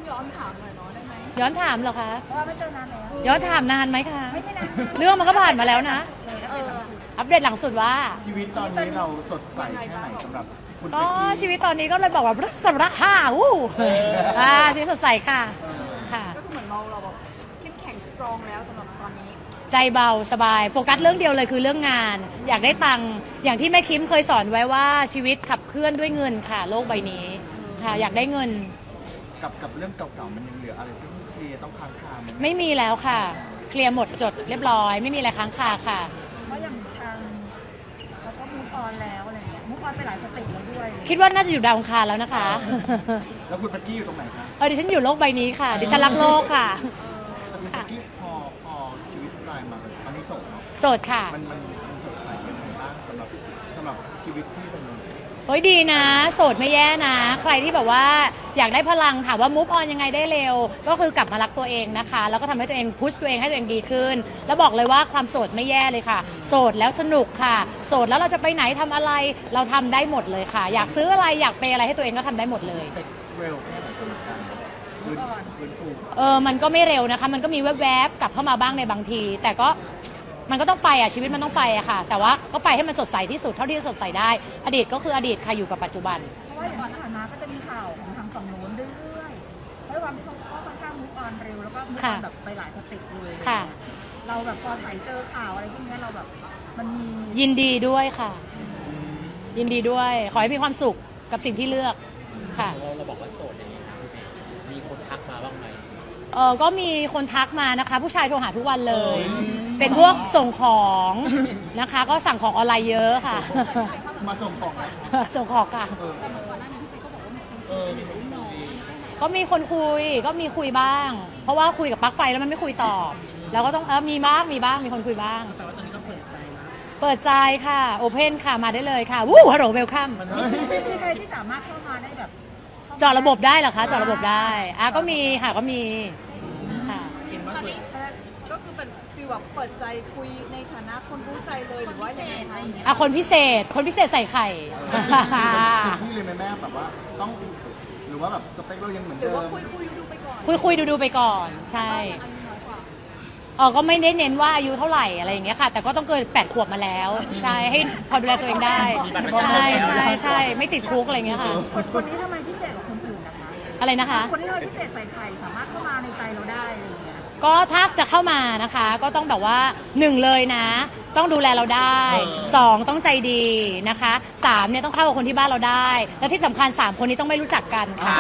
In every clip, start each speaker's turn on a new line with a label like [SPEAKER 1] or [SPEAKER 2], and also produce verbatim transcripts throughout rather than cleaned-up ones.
[SPEAKER 1] ย้อนถามหน่อยเนาะได้ไหม
[SPEAKER 2] ย้อนถามเหรอคะ
[SPEAKER 1] เพราะว่าไม่เจอนานแล้ว
[SPEAKER 2] ย้อนถามนานไหมคะ
[SPEAKER 1] ไม่ได้นาน
[SPEAKER 2] เรื่องมันก็ผ่านมาแล้วนะ
[SPEAKER 1] เออ
[SPEAKER 2] อัปเดตหลังสุดว่า
[SPEAKER 3] ชีวิตตอนนี้เราสดใสแค่ไหนสำหรับคุณ
[SPEAKER 2] ก็
[SPEAKER 3] เป๊กกี้
[SPEAKER 2] ชีวิตตอนนี้ก็เลยบอกว่าสำรับห้าวู้อ่าชีวิตสดใสค่ะค่ะ
[SPEAKER 1] ก็คือเหมือนเราเราแบบเข้มแข็งสตรองแล้วสำหรับตอนนี้
[SPEAKER 2] ใจเบาสบายโฟกัสเรื่องเดียวเลยคือเรื่องงาน อยากได้ตังค์อย่างที่แม่คิมเคยสอนไว้ว่าชีวิตขับเคลื่อนด้วยเงินค่ะ โลกใบนี้ค่ะ อยากได้เงิน
[SPEAKER 3] กับกับเรื่องเก่าๆมันยังเหลืออะไรที่ต้องเคลียร์ต้องค้างคาไหม
[SPEAKER 2] ไม่มีแล้วค่ะ เคลียร์หมดจดเรียบร้อย ไม่มีอะไรค้างคาค่ะ
[SPEAKER 1] เพราะอย่างทางเขาก็มูฟออนแล้วอะไรเงี้ยมูฟออนไปหลายสเต็ปแล้วด้วย
[SPEAKER 2] คิดว่าน่าจะอยู่ดาวอังคารแล้วนะคะ
[SPEAKER 3] แล้วคุณเป๊กกี้อยู่ตรงไหนคะ
[SPEAKER 2] เออดิฉันอยู่โลกใบนี้ค่ะ ดิฉันรักโลกค่ะ
[SPEAKER 3] แต่คุณเป๊กกี้พอพอชีวิตกลายมาเป็นตอนนี้โสดเนาะ
[SPEAKER 2] โสดค่ะ
[SPEAKER 3] มันมันมันสดใสยังไงบ้างสำหรับสำหรับชีวิตที่เป็น
[SPEAKER 2] เฮ้ยดีนะ โสดไม่แย่นะ ใครที่แบบว่าอยากได้พลังถามว่ามูฟออนยังไงได้เร็ว ก็คือกลับมารักตัวเองนะคะ แล้วก็ทำให้ตัวเองพุชตัวเองให้ตัวเองดีขึ้น แล้วบอกเลยว่าความโสดไม่แย่เลยค่ะ โสดแล้วสนุกค่ะ โสดแล้วเราจะไปไหนทำอะไร เราทำได้หมดเลยค่ะ อยากซื้ออะไรอยากเปย์อะไรให้ตัวเองก็ทำได้หมดเลย
[SPEAKER 3] เป็นเร็วแค่ไหนเป็นการฟื้นฟื้นฟู
[SPEAKER 2] เออ มันก็ไม่เร็วนะคะ มันก็มีแวบๆกลับเข้ามาบ้างในบางที แต่ก็มันก็ต้องไปอ่ะ ชีวิตมันต้องไปอ่ะค่ะ แต่ว่าก็ไปให้มันสดใสที่สุดเท่าที่จะสดใสได้ อดีตก็คืออดีตค่ะอยู่กับปัจจุบัน
[SPEAKER 1] เพราะว่าอย่างก่อนผ่านมาก็จะมีข่าวของทางฝั่งโน้นเรื่อยๆเพราะว่าเขาก็ค่อนข้างมูฟออนเร็วแล้วก็มูฟอ
[SPEAKER 2] ค่ะ
[SPEAKER 1] อนแบบไปหลายสเต็ปเลย
[SPEAKER 2] ค่ะ
[SPEAKER 1] เราแบบพอถ่ายเจอข่าวอะไรพวกเนี้ยเราแบบมันมี
[SPEAKER 2] ยินดีด้วยค่ะ ยินดีด้วย ขอให้มีความสุขกับสิ่งที่เลือกค่ะ
[SPEAKER 4] เราเราบอกว่าโสดอย่างนี้ครับมีคนทักมาบ้างไหม
[SPEAKER 2] เออก็มีคนทักมานะคะ ผู้ชายโทรหาทุกวันเลย เป็นพวกส่งของนะคะ ก็สั่งของออนไลน์เยอะค่ะ
[SPEAKER 3] มาส่งของนะ
[SPEAKER 2] ส่งของค่ะ
[SPEAKER 3] เออ
[SPEAKER 4] เออมีคนคุย
[SPEAKER 2] ก็มีคนคุยก็มีคุยบ้าง เพราะว่าคุยกับปลั๊กไฟแล้วมันไม่คุยตอบ แล้วก็ต้องเออมีบ้างมีบ้างมีคนคุยบ้าง
[SPEAKER 4] แต่ว่าตอนนี้ก็เปิดใจนะ
[SPEAKER 2] เปิดใจค่ะโอเพนค่ะมาได้เลยค่ะวู้ฮัลโหลเวลคัม
[SPEAKER 1] มีใครที่สามารถเข้ามาได้แบบ
[SPEAKER 2] เจาะระบบได้เหรอคะเจาะระบบได้อ่ะก็มีค่ะก็มีค่ะ
[SPEAKER 4] เห็นว่าสวย
[SPEAKER 1] ก็คือเป็นฟีลแบบเปิดใจคุยในฐานะคนรู้ใจเลยหรือว่ายังไงคะ
[SPEAKER 2] อ่ะคนพิเศษ คนพิเศษใส่ไข่
[SPEAKER 3] ที่เลยไหมแม่แบบว่าต้องหรือว่าแบบสเปคเรายังเหมือน
[SPEAKER 1] หรื
[SPEAKER 3] เดิ
[SPEAKER 1] อว่าม คุยคุยดูๆไปก่อน
[SPEAKER 2] คุยคุยดูดูๆไปก่อนใช่
[SPEAKER 1] อายุน้อยกว่า
[SPEAKER 2] เออก็ไม่ได้เน้นว่าอายุเท่าไหร่อะไรอย่างเงี้ยค่ะ แต่ก็ต้องเกินแปดขวบมาแล้ว ใช่ให้พอดูแลตัวเองได้ ใช่ใช่ใช่ไม่ติดคุกอะไรอย่างเงี้ยค่ะ
[SPEAKER 1] คนคนนี้ทำไมพิเศษกว่าคนอื่นนะคะ
[SPEAKER 2] อะไรนะคะ
[SPEAKER 1] คนที่ทำไมพิเศษใส่ไข่สามารถเข้ามาในใจเราได้อะไรอย่างเงี้ย
[SPEAKER 2] ก็ถ้าจะเข้ามานะคะ ก็ต้องแบบว่าหนึ่งเลยนะ ต้องดูแลเราได้สองต้องใจดีนะคะสามเนี่ยต้องเข้ากับคนที่บ้านเราได้ และที่สำคัญสามคนนี้ต้องไม่รู้จักกันค่ะ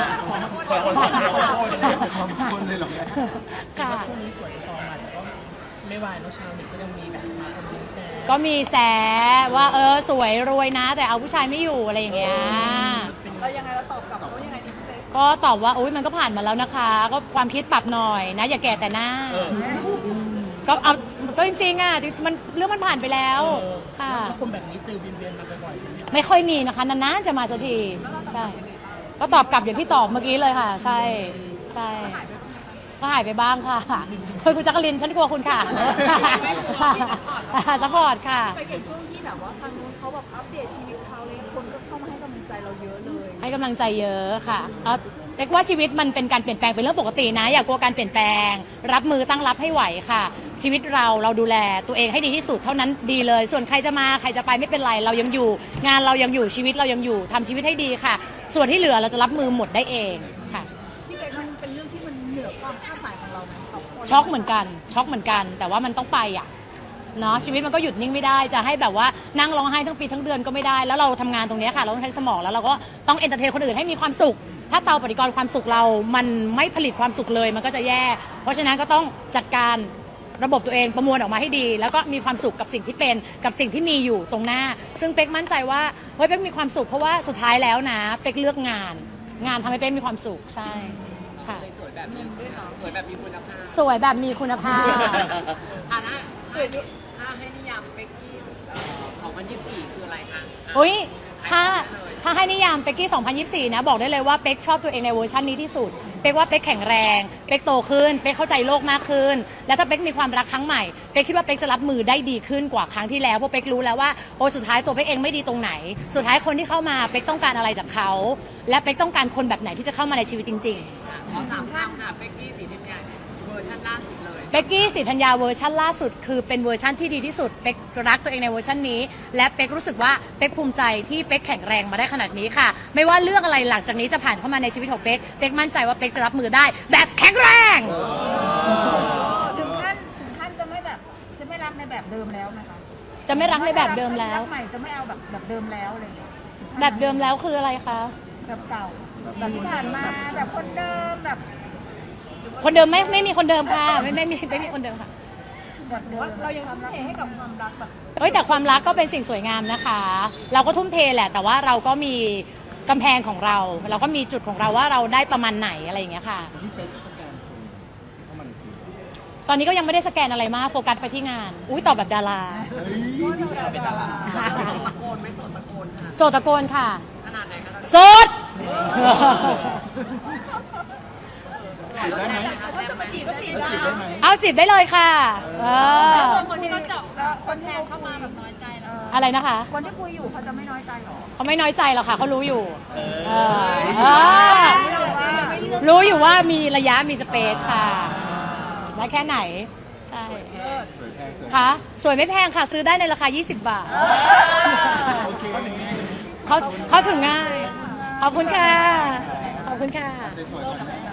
[SPEAKER 3] คนเลยเหรอแม่
[SPEAKER 2] ค่ะ
[SPEAKER 4] ช่วงนี้สวยทองอ่ะแต่ก็ไม่วายแล้วชาวเน็ตก็ยังมีแบบมาคอมเมนต์แซว
[SPEAKER 2] ก็มีแซะว่าเออสวยรวยนะ แต่เอาผู้ชายไม่อยู่อะไรอย่างเงี้ย
[SPEAKER 1] เรายังไงเราตอบกลับเขายังไงดีพี่เป๊ก
[SPEAKER 2] ก็ตอบว่าอุ้ยมันก็ผ่านมาแล้วนะคะ ก็ความคิดปรับหน่อยนะ อย่าแก่แต่หน้า
[SPEAKER 4] เออ
[SPEAKER 2] ก็เอาก็จริงๆอ่ะมันเรื่องมันผ่านไปแล้วค่ะ
[SPEAKER 4] แล้วคนแบบนี้เจอเวียนๆมาบ่อยๆไหม
[SPEAKER 2] ไม่ค่อยมีนะคะนานๆจะมาสักทีใช่ ก็ตอบกลับอย่างที่ตอบเมื่อกี้เลยค่ะ ใช่ใช่ก็หายไปบ้างค่ะเฮ้ยคุณจักรินฉันกลัวคุณค่ะซัพพอร์ตค่ะ
[SPEAKER 1] ไปเห็นช่วงที่แบบว่าทางนู้นเขาแบบอัปเดตชีวิตเขาเลยคนก็เข้ามาให้กำลังใจเราเยอะเลย
[SPEAKER 2] ให้กำลังใจเยอะค่ะเอาเรียกว่าชีวิตมันเป็นการเปลี่ยนแปลงเป็นเรื่องปกตินะ อย่ากลัวการเปลี่ยนแปลง รับมือตั้งรับให้ไหวค่ะ ชีวิตเราเราดูแลตัวเองให้ดีที่สุดเท่านั้นดีเลย ส่วนใครจะมาใครจะไปไม่เป็นไรเรายังอยู่ งานเรายังอยู่ชีวิตเรายังอยู่ทำชีวิตให้ดีค่ะ ส่วนที่เหลือเราจะรับมือหมดได้เองค่ะ
[SPEAKER 1] พี่เป๊กมันเป็นเรื่องที่มันเหนือความคาดหมายของเราไหมครับ
[SPEAKER 2] ช็อกเหมือนกันช็อกเหมือนกัน แต่ว่ามันต้องไปอ่ะเนาะชีวิตมันก็หยุดนิ่งไม่ได้จะให้แบบว่านั่งร้องไห้ทั้งปีทั้งเดือนก็ไม่ได้แล้วเราทำงานตรงเนี้ยค่ะเราต้องใช้สมองแล้วเราก็ต้องเอนเตอร์เทนคนอื่นให้มีความสุข ถ้าเตาปฏิกรณ์ความสุขเรา มันไม่ผลิตความสุขเลยมันก็จะแย่ เพราะฉะนั้นก็ต้องจัดการระบบตัวเองประมวลออกมาให้ดี แล้วก็มีความสุขกับสิ่งที่เป็นกับสิ่งที่มีอยู่ตรงหน้า ซึ่งเป๊กมั่นใจว่าเฮ้ยเป๊กมีความสุขเพราะว่าสุดท้ายแล้วนะเป๊กเลือกงาน งานทำให้เป๊กมีความสุขใช่ค่ะ
[SPEAKER 4] สวยแบบนี้สวยแบบมีคุณภาพ
[SPEAKER 2] สวยแบบมีคุณภาพ
[SPEAKER 4] อ่ะนะสวยถ้าให้นิยามเป็กกี้ของวันที่สี่คืออะไรคะ
[SPEAKER 2] อุ้ยถ้าถ้าให้นิยามเป๊กกี้สองพันยี่สิบสี่นะบอกได้เลยว่าเป๊กชอบตัวเองในเวอร์ชันนี้ที่สุดเป๊กว่าเป๊กแข็งแรงเป๊กโตขึ้นเป๊กเข้าใจโลกมากขึ้นแล้วถ้าเป๊กมีความรักครั้งใหม่เป๊กคิดว่าเป๊กจะรับมือได้ดีขึ้นกว่าครั้งที่แล้วเพราะเป๊กรู้แล้วว่าโอ้สุดท้ายตัวเป๊กเองไม่ดีตรงไหน สุดท้ายคนที่เข้ามาเป๊กต้องการอะไรจากเขาและเป๊กต้องการคนแบบไหนที่จะเข้ามาในชีวิตจริง ๆ
[SPEAKER 4] ขอสามคำค่ะเป๊กกี้สีทิพย์ใหญ่เวอร์ชันล่าสุดเลย
[SPEAKER 2] เป๊กกี้ศรีธัญญาเวอร์ชันล่าสุดคือเป็นเวอร์ชันที่ดีที่สุดเป๊กรักตัวเองในเวอร์ชันนี้และเป๊กรู้สึกว่าเป๊กภูมิใจที่เป๊กแข็งแรงมาได้ขนาดนี้ค่ะ ไม่ว่าเรื่องอะไรหลังจากนี้จะผ่านเข้ามาในชีวิตของเป๊กเป๊กมั่นใจว่าเป๊กจะรับมือได้ แบบแข็งแรง
[SPEAKER 1] ถึงขั้นถึงขั้นจะไม่แบบจะไม่รักในแบบเดิมแล้วไหมคะ
[SPEAKER 2] จะไม่รักในแบบเดิมแล้ว
[SPEAKER 1] รักใหม่จะไม่เอาแบบแบบเดิมแล้วอะไรอย่างเงี้ย
[SPEAKER 2] แบบเดิมแล้วคืออะไรคะ
[SPEAKER 1] แบบเก่าแบบที่ผ่านมาแบบคนเดิมแบบ
[SPEAKER 2] คนเดิมไม่ไม่มีคนเดิมค่ะไม่ไม่มีไม่มีคนเดิมค่ะ
[SPEAKER 1] แบบเดิมเรายังทุ่มเทให้กับความรักแบบ
[SPEAKER 2] เอ้ยแต่ความรักก็เป็นสิ่งสวยงามนะคะ เราก็ทุ่มเทแหละ แต่ว่าเราก็มีกำแพงของเรา เราก็มีจุดของเราว่าเราได้ประมาณไหนอะไรอย่างเงี้ยค่ะ
[SPEAKER 3] ที่เป๊กสแกนคนเข้ามาในชีวิต
[SPEAKER 2] ตอนนี้ก็ยังไม่ได้สแกนอะไรมากโฟกัสไปที่งาน อุ้ยตอบแบบดารา
[SPEAKER 3] เฮ้ยพี่เป็นดารา
[SPEAKER 2] ค่ะ
[SPEAKER 4] ตะโกนไม่สนตะโกนค่ะ
[SPEAKER 2] โสดตะโกนค่ะ
[SPEAKER 4] ขนาดไหนคะ
[SPEAKER 2] โสด
[SPEAKER 3] จีบได้ไหม
[SPEAKER 1] เขาจะมาจีบก็จีบได้
[SPEAKER 3] จีบได้ไหม
[SPEAKER 2] เอาจีบได้เลยค่ะเออ
[SPEAKER 1] คนที่เขาเจาะก็คนแทนเข้ามาแบบน้อยใจแล้ว
[SPEAKER 2] อะไรนะคะ
[SPEAKER 1] คนที่คุยอยู่เขาจะไม่น้อยใจหรอ
[SPEAKER 2] เขาไม่น้อยใจหรอกค่ะเขารู้อยู่เออเออรู้อยู่ว่ามีระยะมีสเปซค่ะได้แค่ไหน ใช่
[SPEAKER 3] สวยแพงสวย
[SPEAKER 2] ค่ะสวยไม่แพงค่ะ ซื้อได้ในราคา ยี่สิบบาท
[SPEAKER 3] โอเค
[SPEAKER 2] เขาเขาถึงง่าย ขอบคุณค่ะ ขอบคุณค่ะ
[SPEAKER 3] สวยๆ